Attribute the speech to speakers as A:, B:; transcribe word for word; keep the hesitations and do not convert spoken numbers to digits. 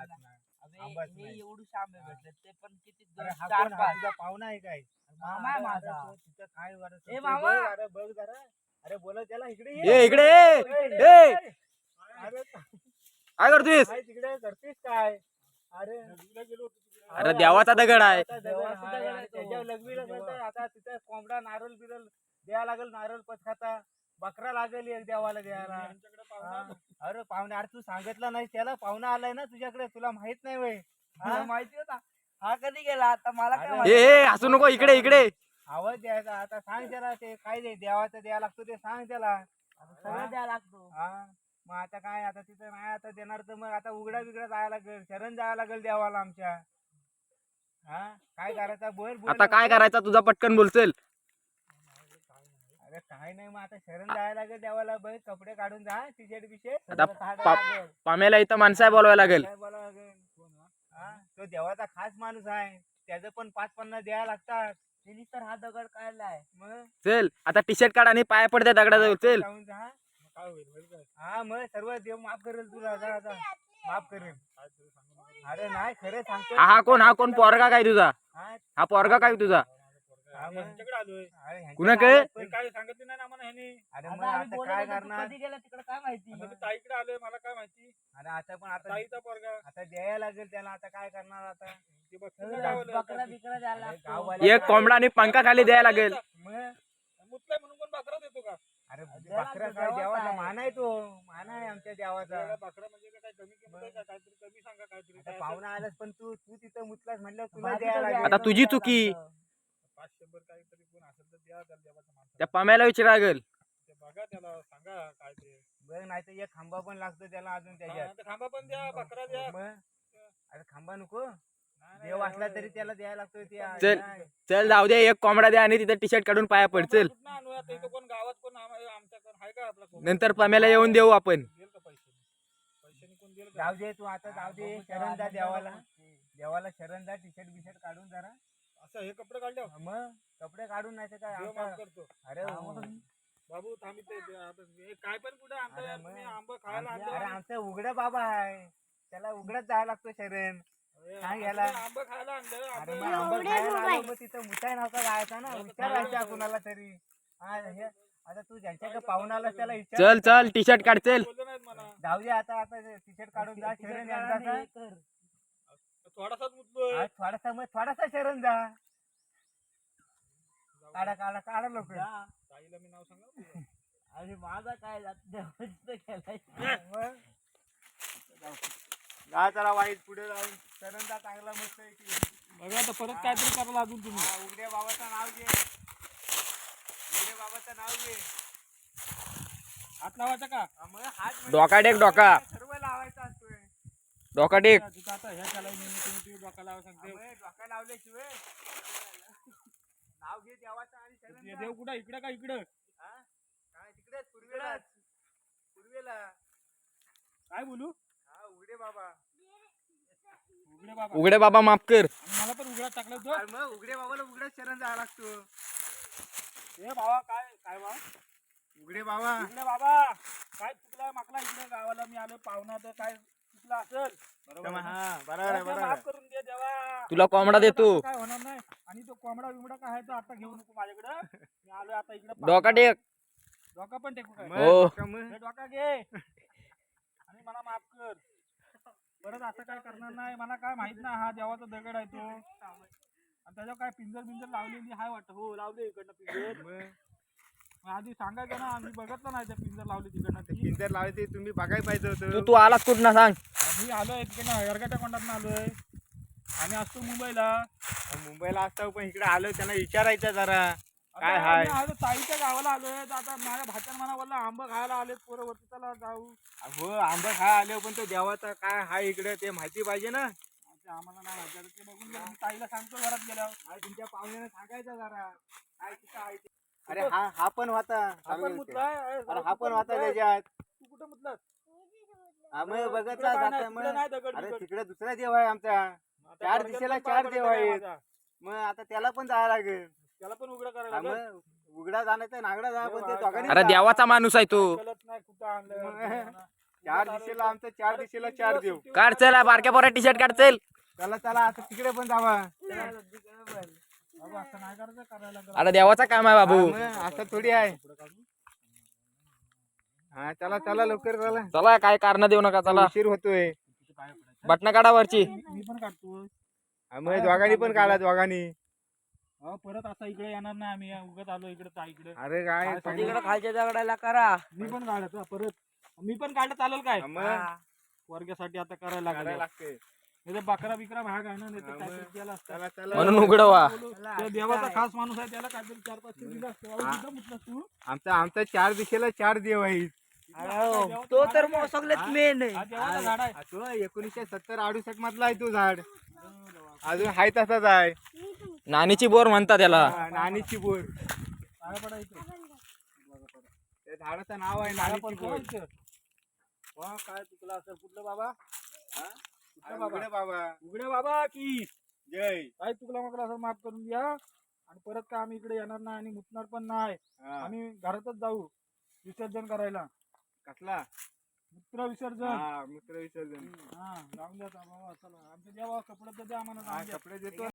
A: आंबाच नाही.
B: एवढे आंबे भेटले ते पण किती दोन,
A: अरे हा
B: चार
A: कोण? हा
B: पाच
A: तुझा पाहुणा आहे काय?
B: मामा आहे माझा.
A: अरे तिथं काय बरं
B: ए
A: सुचतंय?
B: मामा.
A: बघ, अरे बघ जरा. अरे बोला त्याला इकडे
C: ये इकडे ये.
A: ए,
C: ए
A: अरे
C: काय करतोयस?
A: काय तिकडे करतेस काय? अरे
C: अरे देवाचा दगड आहे.
A: देवाचा दगड आहे आणि त्याच्यावर लग्न असेल तर आता तिथे कोंबडा नारळ बिरल द्यायला लागेल, नारळ पचखाता बकरा लागेल एक देवाला द्यायला. हा. अरे पाहुणे, अरे तू सांगितलं नाही त्याला? पाहुणा आलाय ना तुझ्याकडे, तुला माहित नाही वय?
B: हा, माहिती होता हा कधी गेला आता मला काय
A: अरे,
C: ए
B: माहिती.
C: ए हसू नको, इकडे इकडे.
A: आवाज द्यायचा. आता सांग त्याला ते काय दे देवाचं द्यायला लागतो ते सांग त्याला.
B: सगळं द्यायला लागतो.
A: हा मग आता काय, आता तिथं नाही आता देणार तर मग आता उघडा बिगडा जायला लागेल, शरण जायला लागेल देवाला आमच्या. हा काय करायचं बोल बोल.
C: आता काय करायचा तुझा? पटकन बोलचल.
A: अरे काय नाही, मग आता शरण जायला लागेल देवाला. बघ कपडे काढून जा, टी शर्ट बिशे
C: आता पा- पाम्याला इथं माणसं बोलवायला लागेल.
A: काय बोलावं लागेल? हा तो देवाचा खास माणूस आहे, त्याचं पण पाच पन्नास द्यायला लागतात.
B: त्यांनी तर हा दगड काढलाय.
A: मग
C: चल आता टी शर्ट काढ आणि पाय पडते दगडाजवळ. चल
A: जाऊन जा. काय होईल होईल काय? हा मग सर्व देव माफ करेल तुला. जा आता माफ करेल. अरे नाही खरं सांगतो.
C: हा हा कोण? हा कोण पोरगा काय तुझा?
A: हा,
C: हा पोरगा काय तुझा?
A: हा, मग.
D: आलोय
A: अरे ह्यांच्याकडे
C: कुणाकडे?
A: आलात पण-
D: काय सांगितलं नाही ना आम्हाला ह्यानी.
A: अरे
B: आता
A: मग
B: आम्ही
A: आता
B: बोलत
A: काय
B: होतो, तू
A: करणार?
B: कधी गेला तिकडे काय माहिती.
D: आता मी ताईकडे आलोय, मला काय माहिती.
A: अरे आता पण आता
D: ताईचा पोरगा
A: आता द्यायला लागेल त्याला. आता काय करणार आता?
D: ते बघ
B: सगळं
D: गावाला.
B: बकरा बिकरा द्यायला
A: अरे
B: लागतो.
A: गाववाले
C: एक कोंबडा आणि पंखा खाली द्यायला लागेल.
A: मग
D: मुतलाय म्हणून कोण बकरा देतो का?
A: अरे
B: देवाचा
A: बकरा काय
B: देवाचा
A: देवाचा
B: आहे.
A: मान आहे तो. मान आहे आमच्या देवाचा.
D: त्याला बकरा म्हणजे काय कमी किंमत आहे का? काहीतरी कमी सांगा काहीतरी.
A: आता
D: काय
A: पाहुणा आलास पण तू तू तिथं मुतलास म्हणल्यावर तुला
B: भाजी
A: द्यायला
B: तर
A: लागेल.
C: आता
B: द्यायला
C: तुझी
B: लागतं.
C: चुकी.
D: पाच शंभर काहीतरी कोण असेल तर द्या त्याला देवाच्या माणसाला.
C: त्या पाम्याला विचारा लागेल.
D: ते बघा त्याला सांगा काय ते.
A: बघ नाही तर एक खांबा पण लागतो त्याला अजून त्याच्यात.
D: हा, ते खांबा पण द्या, बकरा द्या.
A: मग अरे खांबा नको.
D: नाही, नाही,
A: देव असला
D: एवढं-
A: तरी त्याला द्यायला लागतो ते.
C: चल.
A: नाही.
C: चल जाऊ दे, एक कोंबडा द्या आणि तिथे टी शर्ट काढून पाया पड. चल
D: कुठनं आणू आता? इथं कोण गावात कोण आम- आमच्याकडे आहे का आपला कोण?
C: नंतर पाम्याला येऊन देऊ आपण.
D: देईल का पैसे? पैशाने कोण देईल का?
A: जाऊ दे तू आता. जाऊ दे शरण जा देवाला. देवाला शरण जा. टी शर्ट बिशर्ट काढून जरा.
D: असं हे कपडे काढले
A: मग कपडे काढून नाही तर काय
D: देव
A: आमचा-
D: माफ करतो.
A: अरे हो.
D: बाबू थांबिते काय पण कुठे आणता
A: अरे
D: यार
A: मग.
D: तुम्ही आंबा खायला
A: अरे
D: आणलं.
A: आमचा उघडा बाबा आहे, त्याला उघडच जायला लागतो शरण.
D: अरे,
A: काय
D: आता
A: याला?
D: तुम्ही आंबा खायला आणलं.
A: अरे
D: आंबा-
A: मग आंबा खायला आलो, मग तिथं मुताय नव्हता जायचा ना. विचारायचा कुणाला तरी. हा हे आता तू ज्यांच्याकडे पाहून आलास त्याला विचार.
C: चल चल टी शर्ट काढ. चल
D: बोललं नाहीत मला.
A: जाऊ दे आता. आता टी शर्ट काढून जा. शरण एकदाचा.
D: थोडासाच मुतलोय.
A: हा, थोडासा मग थोडासा शरण जा. काढा काढा काढा लोक.
D: ताईला मी नाव सांगा तुझं.
B: अरे माझा काय देवाचं केलाय.
A: जा चला वाईट पुढे जाऊन शरण जा चांगला मस्त आहे की.
D: बघा आता परत काहीतरी करायला अजून तुम्ही.
A: हा, उघड्या बाबाचं नाव घे. उघड्या बाबाचं नाव घे.
D: हात लावायचा का?
A: हा, मग हात म्हणजे
C: डोका टेक, डोका.
A: सर्व लावायचा असतोय.
C: डोका टेक.
D: तिथं आता ह्या त्याला मी तुम्ही तुम्ही डोका लावा सांगते.
A: अबे, डोका लावल्याशिवाय नाव घे देवाचं आणि शरण
D: हे
A: जा.
D: देव कुठं इकडं का इकडं?
A: हा? काय तिकडेच पूर्वेला पूर्वेला.
D: काय बोलू?
A: हा उघडे बाबा.
D: उघडे बाबा.
C: उघडे बाबा माफ कर.
D: आणि मला पण उघडा टाकलं तो.
A: अरे मग उघडे बाबाला उघड्याच शरण जायला लागतो.
D: हे बाबा काय काय बा?
A: उघडे बाबा.
D: इकडे बाबा काय चुकलं माकला इकडे गावाला मी आलो पाहुणा तर काय चुकलं असेल बरोबर आहे ना?
A: हा बरोबर आहे
D: मला
A: बरोबर
D: माफ
A: आहे.
D: करून दे देवा.
C: तुला कोंबडा देतो.
D: काय होणार नाही. आणि तो कोंबडा बिमडा काय आहे तो आता घेऊ नको माझ्याकडे. मी आलोय आता इकडे.
C: डोका टेक.
D: डोका पण टेकू काय?
A: मग
C: हो.
A: डोका मग.
D: हे डोका घे आणि मला माफ कर. परत असं काय करणार नाही. मला काय माहित ना हा देवाचा दगड आहे तो. आणि त्याच्यावर काय पिंजर बिंजर लावलेली हाय वाटत. हो लावले इकडनं पिंजर.
A: मग
D: मग आधी सांगायचं ना. आम्ही बघितलं नाही त्या पिंजर लावली तिकडनं
A: ते
D: ती.
A: पिंजर लावले ते तुम्ही बघायला पाहिजे
C: तू
A: होतं.
C: तू आलास कुठं सांग.
D: मी आलोय तिकडनं यरगाट्या कोंडातनं आलोय. आम्ही असतो मुंबईला.
A: मुंबईला असतो पण इकडे आलो त्यांना विचारायचं जरा काय
D: आता
A: हाय.
D: आम्ही आलो ताईच्या गावाला आलोय. तर आता माझ्या भाच्यानं मला बोलला आंबा खायला आले पोरं वरती चला जाऊ.
A: हो आंबा खाय आले पण तो देवाचा काय हाय इकडे ते माहिती पाहिजे ना.
D: आता आम्हाला नाही माहिती. आता ते बघून घ्या. मी ताईला सांगतो घरात गेल्यावर.
A: अरे तुमच्या पाहुण्याने सांगायचं जरा काय तिथं आहे ते. अरे हा हा पण होता.
D: आपण मुतलाय. अरे
A: अरे हा
D: तू
A: पण
D: कुठं
A: होता
D: मुतलाय?
A: त्याच्यात.
D: तू कुठं मुतलास?
A: हा मग
D: तिकडं
A: बघत
D: काय नाही,
A: जाता
D: तिकडं
A: मग.
D: नाही दगड
A: अरे
D: बिगड.
A: तिकडे दुसरा देव आहे आमचा.
D: आता
A: चार
D: परत
A: दिशेला
D: पण
A: चार
D: पाय
A: देव
D: पडायचा
A: आहेत.
D: माझा.
A: मग आता त्याला पण जायला लागेल.
D: त्याला पण उघडा
A: हा
D: करायला लागेल.
A: मग उघडा जाण्याचा नागडा जा पण ते दोघांनी
C: अरे
A: जा.
C: देवाचा माणूस आहे तो.
D: कळत नाही कुठं आणलं.
A: मग. चार दिशेला आमचं चार दिशेला चार देव.
C: काढ चल बारक्या पोरा टी शर्ट काढ चल.
A: चला चला आता तिकडे पण जावा.
D: बाबू असं नाही करायचं करायला लागलं.
C: आता देवाचा काम आहे बाबू.
A: हा, मग असं थोडी आहे. हा चला चला लवकर चला.
C: चला काय कारण देऊ नका चला.
A: उशीर होतोय.
C: बटणं काढा वरची.
D: मी पण काढतो.
A: हा, मग दोघांनी पण काढा दोघांनी.
D: अहो, परत आता इकडे येणार नाही आम्ही उगत आलो इकडे ता इकडे.
A: अरे काय पाणी-
B: तिकडे खालच्या दगडाला करा.
D: मी पण काढत हा, परत मी पण काढत चालेल काय
A: हा, मग
D: वर्गासाठी आता करायला
A: करायला
D: लागलं.
A: लागते.
D: नाही तर बकरा बिकरा भाग आहे ना नाही तर
A: हा,
D: काहीतरी
A: मग.
D: केलं असतं.
A: चला चला.
C: म्हणून उघडवा.
D: तो देवाचा खास माणूस आहे त्याला काहीतरी चार पाचशे दिलं असतं. बाबा, कुठं मुतलास तू?
A: आमचा आमचा चार दिशेला चार देव आहेत.
B: अहो, तो तर मग सगळ्यात मेन
D: हा देवाचा झाड आहे.
A: हा, तो एकोणीसशे सत्तर अडुसष्ट मधला आहे तो झाड. अजून हाय तसाच आहे.
C: नानीची बोर म्हणतात त्याला.
A: हा, नानीची बोर.
D: पाया पडायचं.
A: त्या झाडाचं नाव आहे
D: पाया
A: नानीची
D: पडतो
A: बोर.
D: इथं. वा, काय चुकला असेल कुठलं बाबा हा?
A: अरे
D: कुठलं बाबा
A: उघडे बाबा
D: उघडे बाबा की
A: जय.
D: काय चुकला मग असं माफ करून द्या. आणि परत काय आम्ही इकडे येणार नाही आणि मुतणार पण नाही.
A: हा,
D: आम्ही घरातच जाऊ विसर्जन करायला.
A: कसला
D: मूत्र विसर्जन.
A: हा मूत्र विसर्जन.
D: हा जाऊन द्या आता बाबा चला आमच्या देवा कपडे तर द्या आम्हाला
A: हा,
D: जाऊन द्या.
A: कपडे देतो.